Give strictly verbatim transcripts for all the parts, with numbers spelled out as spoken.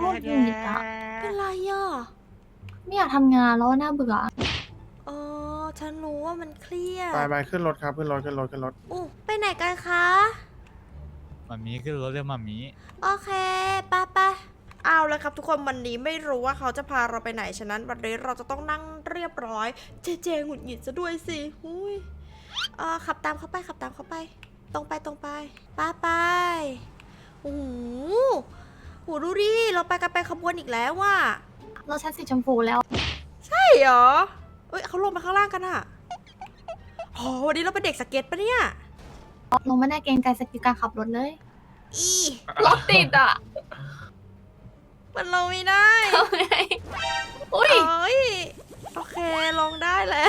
ตรหงุดหงิดอะเป็นไรอ่ะไม่อยากทำงานแล้วน่าเบื่ออ๋อฉันรู้ว่ามันเครียดไปไปขึ้นรถครับขึ้นรถขึ้นรถขึ้นรถอู้ไปไหนกันคะมามีขึ้นรถเรียกมามีโอเคไปไปเอาแล้วครับทุกคนวันนี้ไม่รู้ว่าเขาจะพาเราไปไหนฉะนั้นวันนี้เราจะต้องนั่งเรียบร้อย เจเจหงุดหงิดซะด้วยสิหุ้ยเออขับตามเขาไปขับตามเขาไป ตรงไปตรงไปไปไปโอ้โหโหดูดิเราไปกันไปขบวนอีกแล้วว่ะรถชั้นสีชมพูแล้วใช่เหรอเอ้ยเขาลงไปข้างล่างกันอะโหวันนี้เราเป็นเด็กสเก็ตปะเนี่ยลงไม่ได้เกรงใจสกิลการขับรถเลยอีรถติดอ่ะมันลงไม่ได้ทำไงอุ้ยเอ้ยโอเคลงได้แล้ว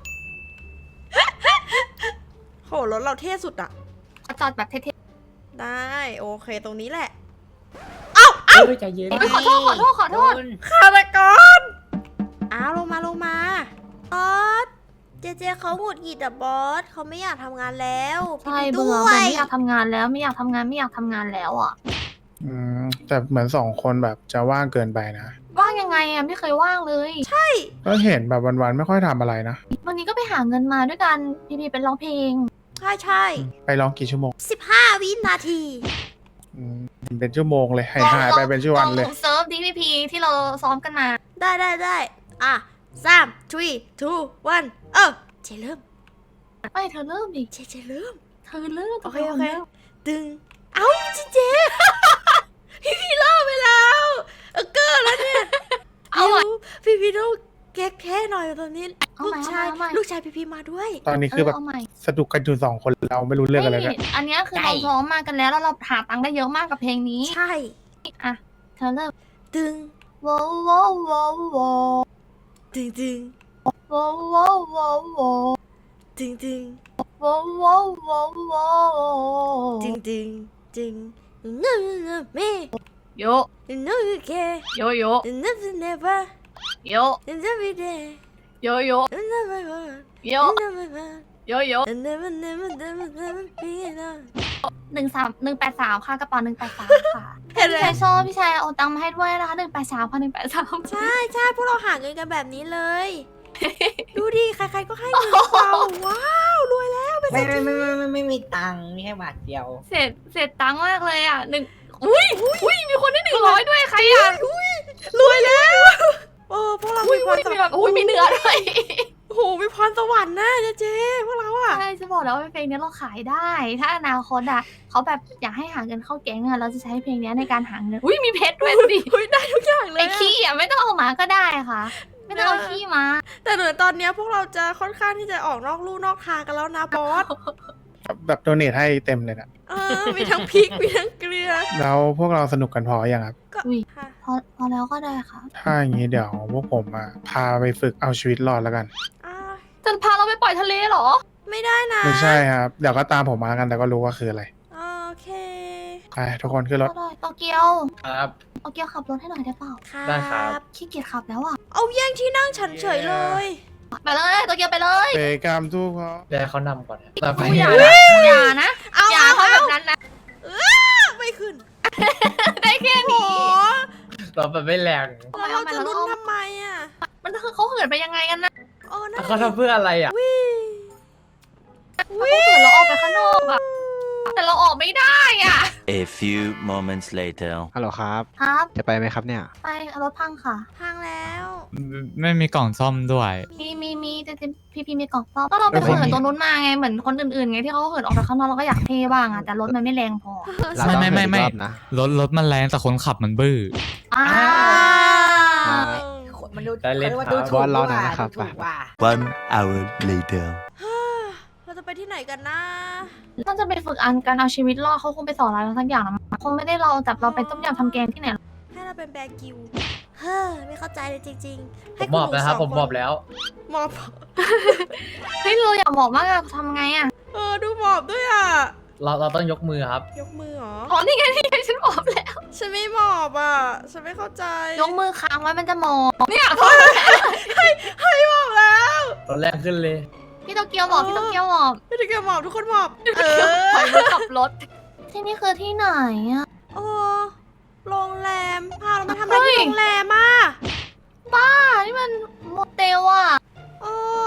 โหรถเราเท่สุดอะจอดแบบเท่ได้โอเคตรงนี้แหละ เอ้าเอ้าเฮ้ยใจเย็นๆไม่ขอโทษขอโทษขอโทษฆาตกรอ้าวลงมาลงมาบอสเจเจเขาหงุดหงิดอะบอสเขาไม่อยากทำงานแล้วใช่พี่เบื่อด้วเบื่อยไม่อยากทำงานแล้วไม่อยากทำงานไม่อยากทำงานแล้วอ่ะอืมแต่เหมือนสองคนแบบจะว่างเกินไปนะว่างยังไงอ่ะไม่เคยว่างเลยก็เห็นแบบวันๆไม่ค่อยทำอะไรนะวันนี้ก็ไปหาเงินมาด้วยกันพี่พีเป็นร้องเพลงใช่ใช่ไปร้องกี่ชั่วโมงสิบห้าวินาทีอืมเป็นชั่วโมงเลยหายหายไปเป็นชั่ววันเลยลองเซิร์ฟดีพีพีที่เราซ้อมกันมาได้ได้ได้อ่ะสาม three two one เออเจเริ่มไม่เธอเริ่มดิเจเจเริ่มเธอเริ่มโอเคโอเคดึง เอ้าเจเจ พี่พี่เล่าไปแล้วเออเกอร์แล้วเนี่ยเอาใหม่พี่พี่ต้องแก้แค่หน่อยตอนนี้เอาลูใหม่กชายเอาใหม่ลูกชายพี่พี่มาด้วยตอนนี้คือแบบเาใหม่สนุกกันอยู่สองคนเราไม่รู้เรื่องอะไรเลยไม่อันเนี้ยคือเราซ้อมมากันแล้วแล้วเราหาตังค์ได้เยอะมากกับเพลงนี้ใช่อ่ะเธอเริ่มดึงโว้โว้โว้โว้ดึงดึงโว้โว้โว้โว้ดึงดึงโว้โว้โว้โว้ดึงดึงดึงเนื้อเนื้อเมย์โยเนื้อแค่โยโยเนื้อเนเวอร์โยเนื้อไม่ได้โยโยเนื้อไม่ว่าโยเนื้อไม่ว่าโยโยเนื้อมันเนื้อมันเนื้อมันเนื้อมันเปลี่ยนหนึ่งสามหนึ่งแปดสามค่ะกระเป๋าหนึ่งแปดสามค่ะเห็นไหมพี่ชายชอบพี่ชายเอาตังค์มาให้ด้วยนะคะหนึ่งแปดสามค่ะหนึ่งแปดสามใช่ใช่พวกเราหาเงินกันแบบนี้เลย ดูดิใครๆก็ให้เงินเราว้าวรวยแล้วเป็นเศรไม่ษไม่ฐีไม่ไม่ไม่ไม่มีตังค์มีแค่บาทเดียวเสร็จเสร็จตังค์มากเลยอ่ะหนึ่งอุ้ยอุ้ยมีคนได้หนึ่งร้อยด้วยใครอ่ะรวยแล้วโอ้พวกเราอุ้ยมีพอุ้รยสมีวแบรรบค์อุ้ยมีเนื้อด้วยโอ้โหมีพรสวรรค์นะเจ๊เจ๊พวกเราอะใช่จะบอกแล้วว่าเพลงนี้เราขายได้ ถ้าอนาคตอ่ะเขาแบบอยากให้หาเงินเข้าแก๊งอ่ะเราจะใช้เพลงนี้ในการหาเงินอุ้ยมีเพชรด้วยดูดิเฮ้ยได้ทุกอย่างเลไอ้ยอะขี้อ่ะไม่ต้องเอามาก็ได้ค่ะ ไม่ต้องเอาขี้มาแต่เหมือนตอนเนี้ยพวกเราจะค่อนข้างที่จะออกนอกลู่นอกทางกันแล้วนะบอสแบบโดเนทให้เต็มเลยนะเออมีทั้งพริกมีทั้งเกลือแล้วพวกเราสนุกกันพออย่างครับก็อุ้ยค่ะพอพอแล้วก็ได้ค่ะถ้าอย่างนี้เดี๋ยวพวกผมอ่ะพาไปฝึกเอาชีวิตรอดแล้วกันอ่าจะพาเราไปปล่อยทะเลเหรอไม่ได้นะไม่ใช่ครับ เดี๋ยวก็ตามผมมากันแต่ก็รู้ว่าคืออะไรโอเคไปทุกคนขึ้นรถก็ได้โตเกียวครับโตเกียวขับรถให้หน่อยได้เปล่าได้ครับขี้เกียจขับแล้วอ่ะเอาแย่งที่นั่งฉันเฉยเลยไปเลยโตเกียวไปเลยเบกามทุกเขาเดี๋ยวให้เขานำก่อนต่อไปอย่านะอย่านะเอาอย่าเอาทำแบเอาบนั้นนะไม่ขึ้นได้แค่โอ้นี้โหเราแบบไม่แรงแล้วเราจะลุ้นทำไมอะมันคือเขาเหินไปยังไงกันนะโอ้นั่นเขาทำเพื่ออะไรอ่ะวิเขาเหินเราออกไปข้างนอกอะแต่เราออกไม่ได้อ่ะ A few moments later ฮัลโหลครับครับจะไปไหมครับเนี่ยไปรถพังค่ะพังแล้วไม่มีกล่องซ่อมด้วยมีมีมีแต่พี่พี่มีกล่องซ่อมก็เราไปเหินตรงนู้นมาไงเหมือนคนอื่นๆไงที่เขาเหินออกไปข้างนอกเราก็อยากเท่บ้างอ่ะแต่รถมันไม่แรงพอเราต้องไม่ไม่ไม่เหินอีกรอบนะรถรถมันแรงแต่คนขับมันบื้ออ่าอ่ามันดูได้เล่นครับบอสรอหน่อยนะครับไป One hour later เราจะไปที่ไหนกันนะน่าจะไปฝึกอันการเอาชีวิตรอดเขาคงไปสอนอะไรเราสักอย่างนะคงไม่ได้เราจับเราไปต้มยำทำแกงที่ไหนหรอกให้เราเป็นแบร์กิวเฮ้อไม่เข้าใจเลยจริงๆผให้มบอกณหนูนะครับสงผมบอกแล้วหมอบเฮ้ยเราอยากบอกมากอะทำไงอะเออดูหมอบด้วยอ่ะเราเราต้องยกมือครับยกมือเหรออ๋อนี่ไงนี่ไงฉันบอกแล้วฉันไม่หมอบอ่ะ ฉันไม่เข้าใจยกมือค้างไว้มันจะมองเนี่ยให้หมอบแล้วตอนแรกขึ้นเลยพี่โตเกียวบอกพี่โตเกียวบอกไม่ได้แกหมอบทุกคนหมอบ เอปล่ออยมือขับรถที่นี่คือที่ไหนอะโอ้โรงแรมพาเรามาทำอะไรโรงแรมอ่ะบ้านี่มันโมเตลอ่ะเออ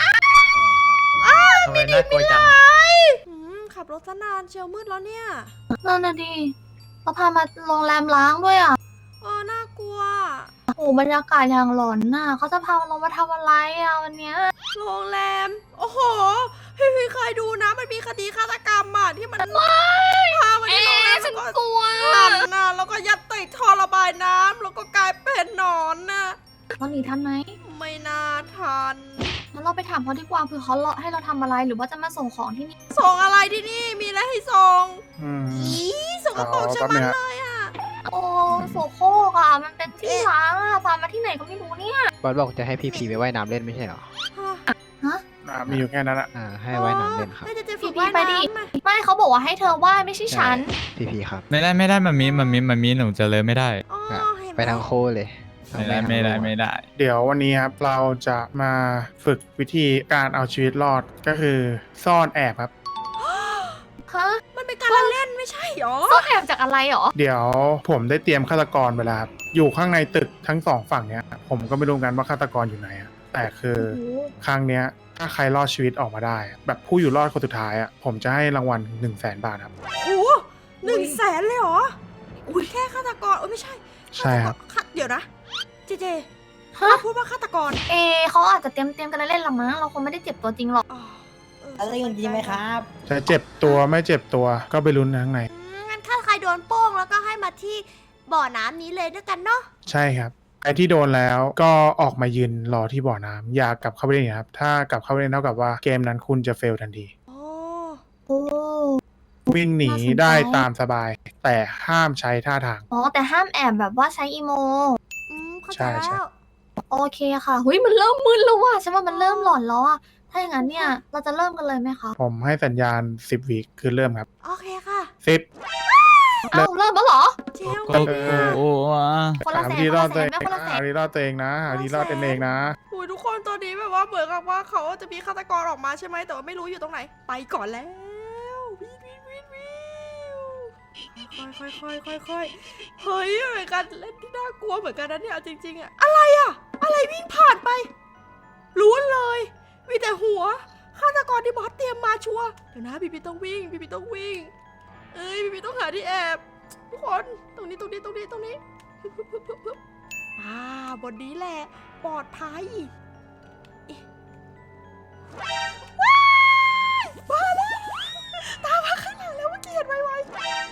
ทำไมน่ากลัวจังอืมขับรถซะนานเชียวมืดแล้วเนี่ยนั่นน่ะดิเราพามาโรงแรมล้างด้วยอ่ะเออน่ากลัวโอ้โหบรรยากาศอย่างหลอนน่ะเขาจะพาเรามาทำอะไรอ่ะวันเนี้ยโรงแรม โอ้โห พี่พี่เคยดูนะ มันมีคดีฆาตกรรมอ่ะที่มันพามาที่เอ๊โรงแรมะฉันแล้วกลัวหั่นน่ะแล้วก็ยัดติดท่อระบายน้ำแล้วก็กลายเป็นหนอนน่ะเราหนีทันไหมไม่น่าทันงั้นเราไปถามเขาดีกว่าเผื่อเขาให้เราทำอะไรหรือว่าจะมาส่งของที่นี่ส่งอะไรที่นี่มีอะไรให้ส่งอืมอีส่งกระโปรงฉันมันเลยอ่ะโอ้โสโครกอ่ะมันเป็นที่ล้างอ่ะพามาที่ไหนก็ไม่รู้เนี่ยบอสบอกจะให้พี่พีไปว่ายน้ำเล่นไม่ใช่เหรออ่ะมีอยู่แค่นั้นอะอ่า ให้ว่ายน้ำเล่นครับให้เจเจฝึพี่กพี่ว่ายไปดิน้ำอะไม่เขาบอกว่าให้เธอไหว้ไม่ใช่ฉันพี่พีครับไม่ได้ไม่ได้มามีมามีมามีหนูจะเลยไม่ได้อ๋ออ่ะเห็นหไปทางโค้เลยเอาไม่ได้ทางไม่ได้โค้ไม่ได้เดี๋ยววันนี้ครับเราจะมาฝึกวิธีการเอาชีวิตรอดก็คือซ่อนแอบครับฮะมันเป็นการละเล่นไม่ใช่หรอซ่อนแอบจากอะไรหรอเดี๋ยวผมได้เตรียมฆาตกรไปแล้วครับอยู่ข้างในตึกทั้งสองฝั่งเนี้ย ผมก็ไม่รู้กันว่าฆาตกรอยู่ไหนอะแต่คือครั้งเนี้ยถ้าใครรอดชีวิตออกมาได้อะแบบผู้อยู่รอดคนสุดท้ายอะผมจะให้รางวัลหนึ่งแสนบาทครับโหหนึ่งแสนเลยเหรอ อุ้ยแค่ฆาตกรเอ้ยไม่ใช่ใช่ครับฆาตกเดี๋ยวนะ เจเจฮะเราพูดว่าฆาตกรเอเขาอาจจะเตรียมเตรียมกันเล่นๆละมั้งเราคงไม่ได้เจ็บตัวจริงหรอกอ๋อเอออะไรกันจริงไหมครับจะเจ็บตัวไม่เจ็บตัวก็ไปลุ้นข้างในอืมงั้นถ้าใครโดนโป้งแล้วก็ให้มาที่บ่อน้ำนี้เลยด้วยกันเนาะใช่ครับไอ้ที่โดนแล้วก็ออกมายืนรอที่บ่อน้ำอย่ากลับเข้าไปเล่นนะครับถ้ากลับเข้าไปเล่นเท่ากับว่าเกมนั้นคุณจะเฟลทันทีโอ้โอ้วิ่งหนีน่าสนใจได้ตามสบาย แต่ห้ามใช้ท่าทางอ๋อแต่ห้ามแอบแบบว่าใช้อีโมอืมเข้าใช่ใจใช่แล้วโอเคค่ะหุยมันเริ่มมึนแล้วว่ะฉันว่ามันเริ่มหลอนแล้วอ่ะถ้าอย่างนั้นเนี่ยเราจะเริ่มกันเลยไหมคะผมให้สัญญาณสิบวิคือเริ่มครับโอเคค่ะสิบเอ้าเริ่มแล้วเหรอเจลก็โอ้โหคนละหาแสวินธีคนรอละดแสตัวน เองแม่คนละแสหาน วิธีรอดตัวเองนะหาวิธีรอดตัวเองนะโอ้ยทุกคนตอนนี้แบบว่าเหมือนกับว่าเขาจะมีฆาตกรออกมาใช่ไหมแต่ว่าไม่รู้อยู่ตรงไหน ไปก่อนแล้ววิววิววิววิวค่อยค่อยค่อยค่อยเฮ้ยเหมือนกันเล่นที่น่ากลัวเหมือนกันนะเนี่ยเอาจริงๆอะอะไรอะอะไรวิ่งผ่านไปล้วนเลยมีแต่หัวฆาตกรที่บอสเตรียมมาชัวร์เดี๋ยวนะบีบีต้องวิ่งบีบีต้องวิ่ง เอ้ยบีบีต้องหาที่แอบทุกคนตรงนี้ตรงนี้ตรงนี้ตรงนี้ฮึบฮึบฮึบฮึบฮึบอ่าบนนี้แหละปลอดภัยเอ๊ะว้ายมาแล้วตามมาข้างหลังแล้วเมื่อกี้เห็นไวๆว้าย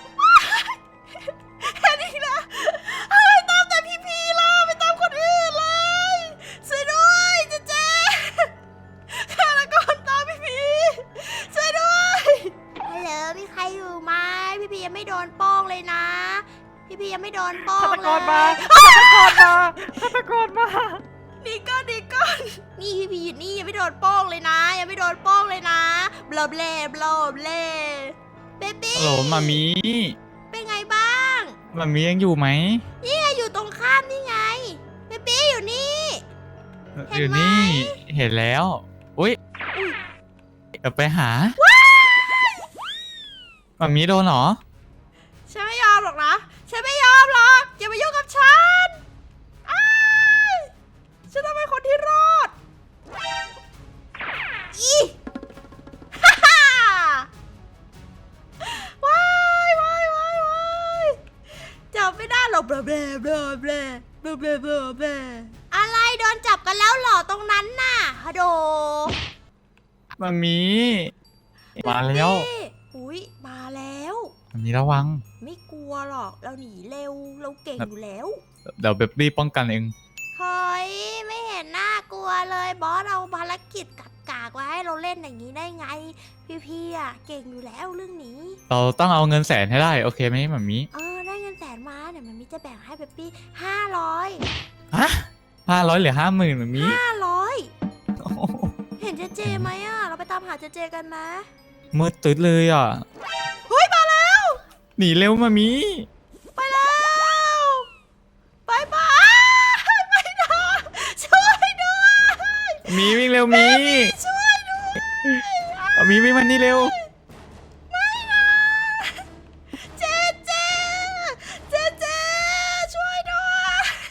เห็นอีกแล้วเฮ้ยตามแต่พี่พีล่ะไม่ตามคนอื่นเลยช่วยด้วยเจ๊เจ๊ฆาตกรตามพี่พีช่วยด้วยฮัลโหลมีใครอยู่ไหมพี่พียังไม่โดนโป้งเลยนะ พี่พียังไม่โดนโป้งเลยฆาตกรมาฆาตกรมาฆาตกรมาดีก่อนดีก่อนนี่พี่พีอยู่นี่ยังไม่โดนโป้งเลยนะ ยังไม่โดนโป้งเลยนะบลอบเล่บลอบเล่เบบี้ฮัลโหลมามีเป็นไงบ้างมามียังอยู่ไหมนี่ไงอยู่ตรงข้ามนี่ไงเบบี้อยู่นี่ เห็นไหมอยู่นี่ เห็นแล้ว อุ้ยเดี๋ยวไปหามามีโดนเหรอฉันไม่ยอมหรอกนะฉันไม่ยอมหรอกอย่ามายุ่งกับฉันอ้ายฉันต้องเป็นคนที่รอดอีฮ่าฮ่าว้ายว้ายว้ายว้ายจับไม่ได้หรอกเบลเบลเบลเบลเบลเบลเบลเบลอะไรโดนจับกันแล้วเหรอตรงนั้นน่ะฮัลโหลมามี มาแล้วนี่อุ้ยมาแล้วมามีระวังไม่กลัวหรอกเราหนีเร็วเราเก่งอยู่แล้วเดี๋ยวเบบบี้ป้องกันเองเฮ้ยไม่เห็นน่ากลัวเลยบอสเอาภารกิจกักกากไว้ให้เราเล่นอย่างนี้ได้ไง พี่ๆอ่ะเก่งอยู่แล้วเรื่องนี้เราต้องเอาเงินแสนให้ได้ โอเคไหมมามีเออได้เงินแสนมาเดี๋ยวมันมีจะแบ่งให้เบปปี้ห้าร้อยฮะห้าร้อยหรือห้าหมื่นมามีห้าร้อยโอ้โหเห็นเจเจไหมอ่ะเราไปตามหาเจเจกันไหมมืดตึ๊ดเลยอ่ะเฮ้ยมาแล้วหนีเร็วมามีไปแล้วไปไปไปนะช่วยด้วยมีวิ่งเร็วมีช่วยด้วยเอามีวิ่งมานี่เร็วเจเจ เจเจ ช่วยด้วย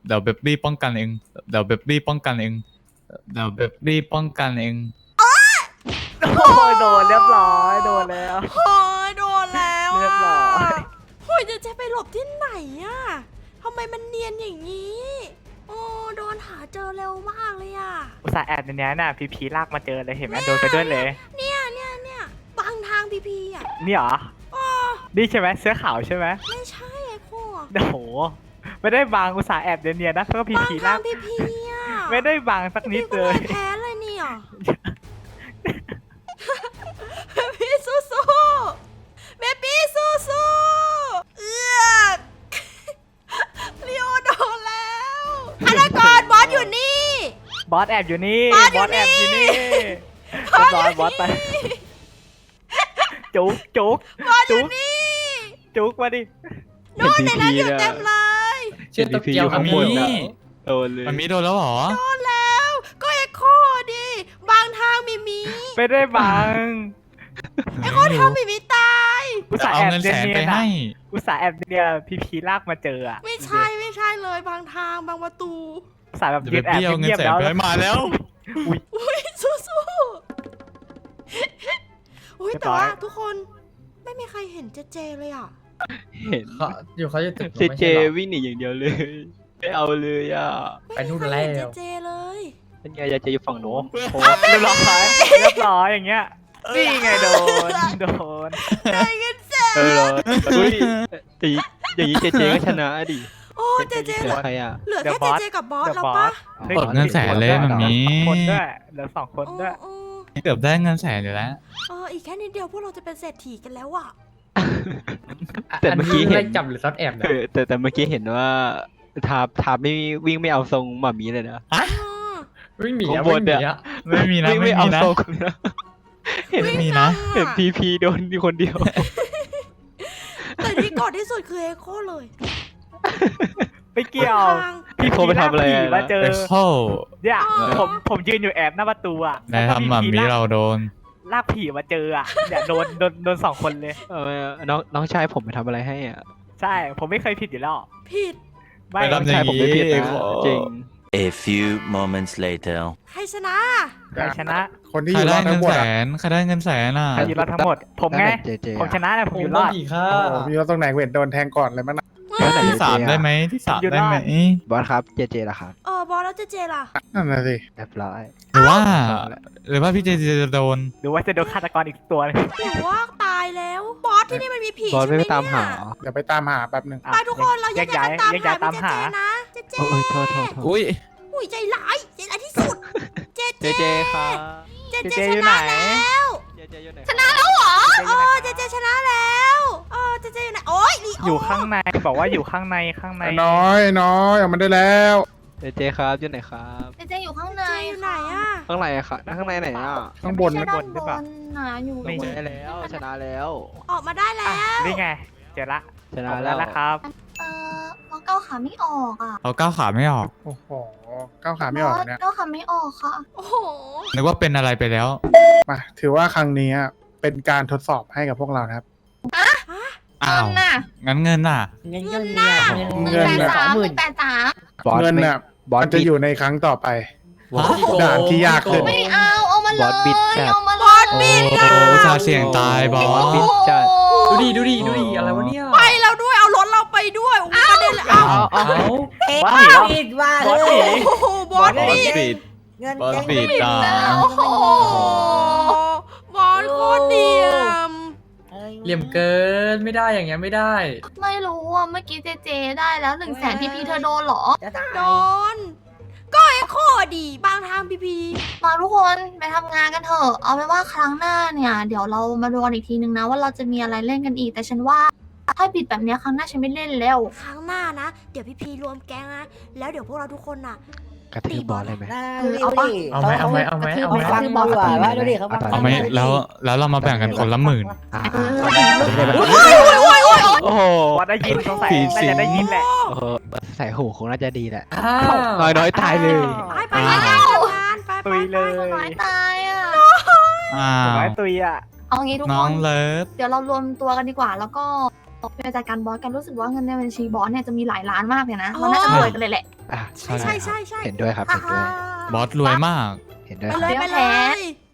เดี๋ยวเบบบี้ป้องกันเองเดี๋ยวเบบบี้ป้องกันเองเดี๋ยวเบบบี้ป้องกันเองโอ้ยโดนเรียบร้อยโดนแล้วโอ้ยโดนแล้วเรียบร้อยโอ้ยจะเจไปหลบที่ไหนอะทำไมมันเนียนอย่างนี้ โอ้โดนหาเจอเร็วมากเลยอะอุตส่าห์แอบในนี้น่ะพีพีลากมาเจอเลยเห็นไหมโดนไปด้วยเลยเนี่ยเนี่ยเนี่ยบางทางพีพีอะนี่เหรออ๋อนี่ใช่ไหมเสื้อขาวใช่ไหมไม่ใช่ไอ้โคโอ้โหไม่ได้บางอุตส่าห์แอบเนียนๆนะเพื่อพีบางพีทาลาง กพีพีอะไม่ได้บางสักนิดเลยพี่ก็แพ้เลยเนี่ยพี่สู้สู้เบบี้สู้สู้เอือกเลียวโดนแล้วฆาตกรบอสอยู่นี่บอสแอบอยู่นี่บอสอยู่แอบอยู่นี่นี่เรียบร้อยบอสไปจุกจุกบอสอจุยู่กนี่จุกมาดิโน่นในนั้นอยู่เต็มเลยเชื่อตะเกียวมัข้าน งบมีนนะโดนเลยมันมีโดนแล้วเหรอโดนแล้ว ก็ไอ้โคดิบางทางมีมีไม่ได้บางไอ้โคทำมีมีตายอุตส่าห์เอาแอบเงินเนีแสนยไปนๆให้อะอุตส่าห์แอบเนียนพีพีลากมาเจออะไม่ใช่ไม่ใช่เลยบางทางบางประตูอุตส่าห์แบบเดี๋ยวยืเบนบแอบบี้เอาเงินเงียบแสๆนแล้วไปให้มาแล้วอุ้ยสู้สู้อุ้ยแต่ว่าทุกคนไม่มีใครเห็นเจเจเลยอ่ะเห็นเขาอยู่เขาจะตึกเจไม่เจใช่หรอวิ่งหนีอย่างเดียวเลย ไม่เอาเลยอ่ะไปนู่นไม่มีใครเห็นแล้เจวเจเลยเป็นไงจะอยู่ฝั่งโน้นโอ้เรียบร้อยเรียบร้อยอย่างเงี้ยนี่ไงโดนโดนได้เงินแสนเออเหรออุ้ยแต่อย่างนี้เจเจก็ชนะดิโอ้เจเจเหเหลืลืออใครอ่ะเหลือเดี๋แค่ยวบอสเจเจกับบอสเดี๋ยวแล้วบอปะสกดเงินแสนเลยมันมีคนด้วยเหลือสองคนด้วยโอ้เกือบได้เงินแสนอยู่แล้วเอออีกแค่นิดเดียวพวกเราจะเป็นเศรษฐีกันแล้วอ่ะแต่เมื่อกี้เห็นไล่จับหรือซ่อนแอบนะเออแต่แต่เมื่อกี้เห็นว่าทาบทาบไม่วิ่งไม่เอาทรงหมามีเลยนะอืมวิ่งหนีข้าอะงบวิ่นงหนีเนี่ยอะไม่มีนะวิ่งไม่ไม่เอามีนะทรงนะเห็นไม่มีนะเห็นพีพีโดนอยู่คนเดียวแต่ที่กอดที่สุดคือเอโคเลยไม่เกี่ยวทางพี่โคไปทำอะไรผีอะมาเจอเอ็กโคเนี่ยอ๋อผมผมยืนอยู่แอบหน้าประตูอ่ะนายทำหมามีเราโดนลากผีมาเจออ่ะเนี่ยโดนโดนโดนสองคนเลยเออน้องน้องชายผมไปทำอะไรให้อ่ะใช่ผมไม่เคยผิดอยู่แล้วผิดไม่ไม่น้ต้อองงชายผมไม่ผิดเอ็นะกโคจริง A few moments later ใครชนะใครชนะคนที่ใคอรยู่รได้อดเงิทั้นงหมดแสอะนใครได้เงินแสนอ่ะใครอยู่รอดทั้งหมด ผมไงเจเจผมชนะแต่ผมอยู่รอดอีกค่ะโอ้โหมีรถตรงไหนเวทโดนแทงก่อนเลยมั้งนะแล้วไหนที่สามได้ไหมที่สามได้ไหมบอสครับเจเจล่ะครับเออบอสแล้วเจเจล่ะนั่นน่ะสิเรียบร้อยหรือว่า หรือว่าพี่เจเจจะโดนหรือว่าจะโดนฆาตกรอีกตัวหนึงหรือว่าตายแล้ว บอสที่นี่มันมีผีบอสใช่ไม่ไหมไปตามหาเนี่ยเหรอเดี๋ยวไปตามหาแป๊บหนึ่งอ่ะไปทุกคนเราแยกย้ายกันตามแยกย้ายหาตามพี่หาเจเจนะเจเจโอ้ยโทษโทษโทษอุ้ยอุ้ยใจร้ายใจร้ายที่สุด เจเจเจครับเจเจเจเจชอยู่ไหนนะแล้วเจเจอยู่ไหนชนะแล้วเหรอเจเจเออยู่ไหนอเจเจชนะแล้วเออเจเจอยู่ไหนโอ้ยลีโอยู่ข้างในบอกว่าอยู่ข้างในข้างในน้อยน้อยออกมาได้แล้วเจเจครับอยู่ไหนครับเจเจอยู่ข้างในเจอยู่ไหนอ่ะข้างในอะค่ะข้างในไหนอ่ะข้างบนไม่นะใช่ด้านบนนะอยู่ไม่ชใช่นะแล้วชนะแล้วออกมาได้แล้อ่ะวนี่ไงเจอละชนะออกแล้แล้ว วนะครับเออเราก้าวขาไม่ออกอ่ะเขาก้าวขาไม่ออกโอ้โหก้าวขาไม่ออกเนี่ยก้าวขาไม่ออกค่ะโอ้โหนึกว่าเป็นอะไรไปแล้วมาถือว่าครั้งนี้อะเป็นการทดสอบให้กับพวกเรานะครับอ้าวเงินน่ะงั้นเงินน่ะเงินเงินเนี่ยหเงินึ่งนแปดน่ะสามหนึ่งแปดสามบอสเงินไม่น่ะบอสมันจะบิดอยู่ในครั้งต่อไปบอสด่านที่ยากขึ้นไม่เอาเอามาเลบอสบิดจัยดเอามาเลยบอสบิดโอ้อุตส่าห์เสี่ยงตายบอโอ้สบิดจัดดูดิดูดิดูดิอะไรวะเนี่ยไปแล้วด้วยเอารถเราไปด้วยโอ้โหประเด็นเลยเอาเอาเอาบอสหนีแล้วปิดว่าบอสหนีโอ้โหบอสบอสบิดปิดเงินบอสแก๊งปิดอ่ะโอ้โหบอสโคตรเดียมเหลี่ยมเกินไม่ได้อย่างเงี้ยไม่ได้ไม่รู้อ่ะเมื่อกี้เจเจได้แล้วหนึ่งแสนพีพีเธอโดนเหรอจะตายโดน ก็ไอ้โคดีบางทางพีพีมาทุกคนไปทำงานกันเถอะเอาไว้ว่าครั้งหน้าเนี่ย เดี๋ยวเรามาดูกันอีกทีนึงนะว่าเราจะมีอะไรเล่นกันอีกแต่ฉันว่าถ้าปิดแบบเนี้ยครั้งหน้าฉันไม่เล่นแล้วครั้งหน้านะ เดี๋ยวพีพีรวมแก๊งนะ แล้วเดี๋ยวพวกเราทุกคนน่ะกระทืบบอสเลยไหมน่าเออดูเอาปะดิเอาไหมเอาไหมเอาไหมเอาไหมฟังดีกว่าว่าดูดิเขาฟังเอาไหมแล้วแล้วเรามาแบ่งกันคนละหมื่นอ่าเออโอ้โหบอสได้ยินสงสัยผีสิน่าจะได้ยินแหละโอ้โหใส่หูคงน่าจะดีแหละอ้าวน้อยน้อยตายเลยไปไปไปไปทำงานไปไปตุยเลยน้อยตายอ่ะอ้าผมวไว้ตุยอ่ะเอางี้ทุกน้คองนเลิฟเดี๋ยวเรารวมตัวกันดีกว่า แล้วก็ไปจัดการบอสกันรู้สึกว่าเงินในบัญชีบอสเนี่ยจะมีหลายล้านมากเลยนะเราน่าจะรวยกันเลยแหละอ่ะใช่ใช่ใช่ใช่เห็นด้วยครับ เห็นด้วยบอสรวยมากเห็นด้วยไปครับเลยไปเดี๋ยวเลแผนย